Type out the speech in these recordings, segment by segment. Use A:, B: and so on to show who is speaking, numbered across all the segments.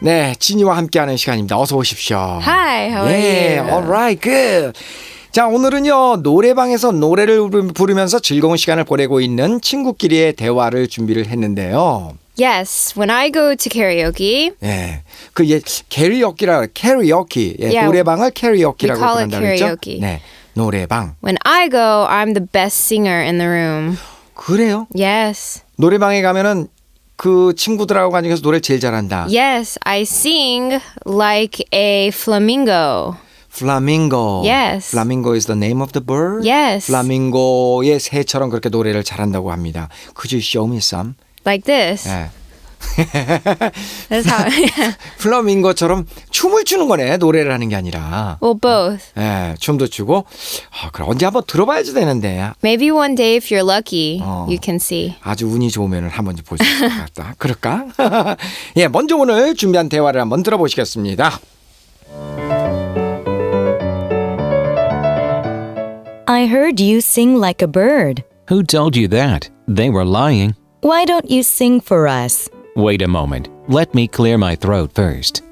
A: 네, 지니와 함께하는 시간입니다. 어서 오십시오.
B: Hi, how are
A: 예,
B: you?
A: alright, good. 자, 오늘은요, 노래방에서 노래를 부르면서 즐거운 시간을 보내고 있는 친구끼리의 대화를 준비를 했는데요.
B: Yes, when I go to karaoke,
A: 예, 그 캐리어키, 예,
B: Yeah,
A: 노래방을 캐리어키라고
B: we call it
A: 부른다고 했죠?
B: karaoke.
A: 네, 노래방.
B: when I go, I'm the best singer in the room.
A: 그래요?
B: Yes.
A: 노래방에 가면은 그 친구들하고 가서 노래 제일 잘한다.
B: Yes, I sing like a flamingo.
A: Flamingo.
B: Yes.
A: Flamingo is the name of the bird?
B: Yes.
A: 플라밍고의 새처럼 그렇게 노래를 잘한다고 합니다. Could you show me some?
B: Like this.
A: 예.
B: That's how.
A: 플라밍고처럼 춤을 추는 거네. 노래를 하는 게 아니라.
B: Well, both.
A: 예, 춤도 추고. 그럼 언제 한번 들어봐야지 되는데.
B: Maybe one day if you're lucky, you can see.
A: 아주 운이 좋으면 한번 볼 수 있을 것 같다. 그럴까? 예, 먼저 오늘 준비한 대화를 한번 들어보시겠습니다.
C: I heard you sing like a bird.
D: Who told you that? They were lying.
C: Why don't you sing for us?
D: Wait a moment. Let me clear my throat first.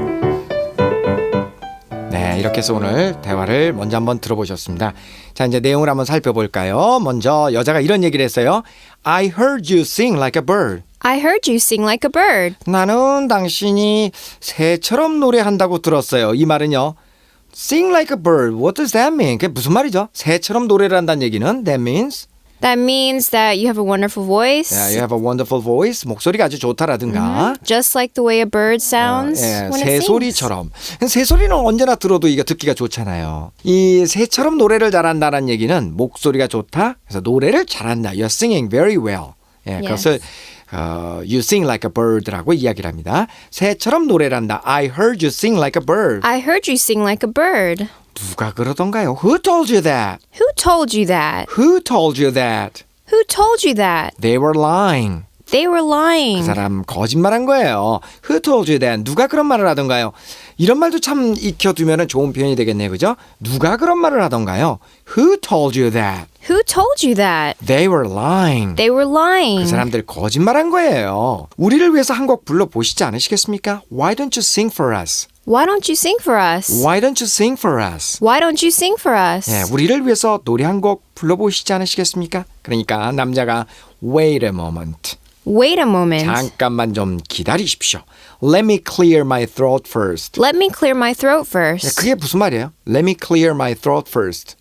A: 네, 이렇게 해서 오늘 대화를 먼저 한번 들어보셨습니다. 자, 이제 내용을 한번 살펴볼까요? 먼저 여자가 이런 얘기를 했어요. I heard you sing like a bird.
B: I heard you sing like a bird.
A: 나는 당신이 새처럼 노래한다고 들었어요. 이 말은요. Sing like a bird. What does that mean? 그게 무슨 말이죠? 새처럼 노래를 한다는 얘기는 That means
B: That means that you have a wonderful voice.
A: yeah, you have a wonderful voice. 목소리가 아주 좋다라든가.
B: Just like the way a bird sounds
A: 예,
B: when it sings.
A: 새소리처럼. 새소리는 언제나 들어도 이거 듣기가 좋잖아요. 이 새처럼 노래를 잘한다는 얘기는 목소리가 좋다. 그래서 노래를 잘한다. You're singing very well. 예, 그것을 you sing like a bird라고 이야기를 합니다. 새처럼 노래를 한다. I heard you sing like a bird.
B: I heard you sing like a bird.
A: 누가 그러던가요? Who told you that?
B: Who told you that?
A: Who told you that?
B: Who told you that?
A: They were lying.
B: They were
A: 그
B: lying.
A: 사람 거짓말한 거예요. Who told you that? 누가 그런 말을 하던가요? 이런 말도 참 익혀두면 좋은 표현이 되겠네요. 그죠? 누가 그런 말을 하던가요? Who told you that?
B: Who told you that?
A: They were lying.
B: They were lying.
A: 그 사람들 거짓말한 거예요. 우리를 위해서 한 곡 불러보시지 않으시겠습니까? Why don't you sing for us?
B: Why don't you sing for us?
A: Why don't you sing for us?
B: Why don't you sing for us?
A: 예, 우리를 위해서 노래 한 곡 불러보시지 않으시겠습니까? 그러니까 남자가 Wait a moment.
B: Wait a moment.
A: 잠깐만 좀 기다리십시오. Let me clear my throat first.
B: Let me clear my throat
A: 예,
B: first.
A: 그게 무슨 말이에요? Let me clear my throat first.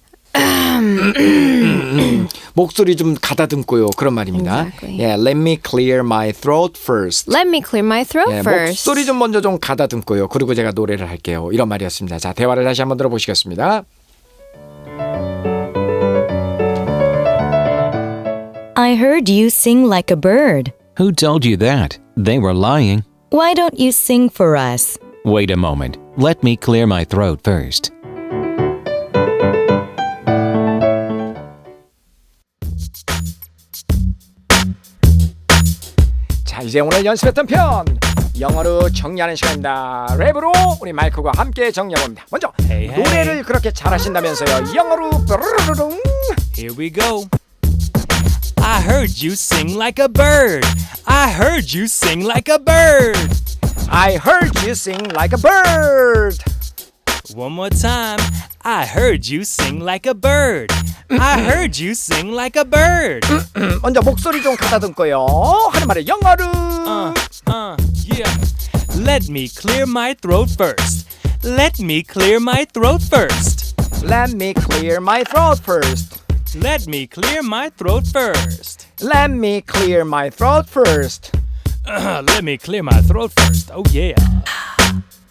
A: 목소리 좀 가다듬고요. 그런 말입니다.
B: Exactly.
A: 예, let me clear my throat first.
B: Let me clear my throat
A: 예,
B: first.
A: 목소리 좀 먼저 좀 가다듬고요. 그리고 제가 노래를 할게요. 이런 말이었습니다. 자, 대화를 다시 한번 들어보시겠습니다.
C: I heard you sing like a bird.
D: Who told you that? They were lying.
C: Why don't you sing for us?
D: Wait a moment. Let me clear my throat first.
A: 자, 이제 오늘 연습했던 편 영어로 정리하는 시간입니다. 랩으로 우리 마이크와 함께 정리해봅니다. 먼저 노래를 그렇게 잘하신다면서요. 영어로 뾰루루룽.
E: Here we go. I heard you sing like a bird. I heard you sing like a bird.
A: I heard you sing like a bird.
E: One more time. I heard you sing like a bird. I heard you sing like a bird.
A: 먼저 목소리 좀 가다듬고요. 하는 말을 영어로.
E: Yeah. Let me clear my throat first. Let me clear my throat first.
A: Let me clear my throat first.
E: Let me clear my throat first.
A: Let me clear my throat first.
E: Let me clear my throat first. Oh yeah.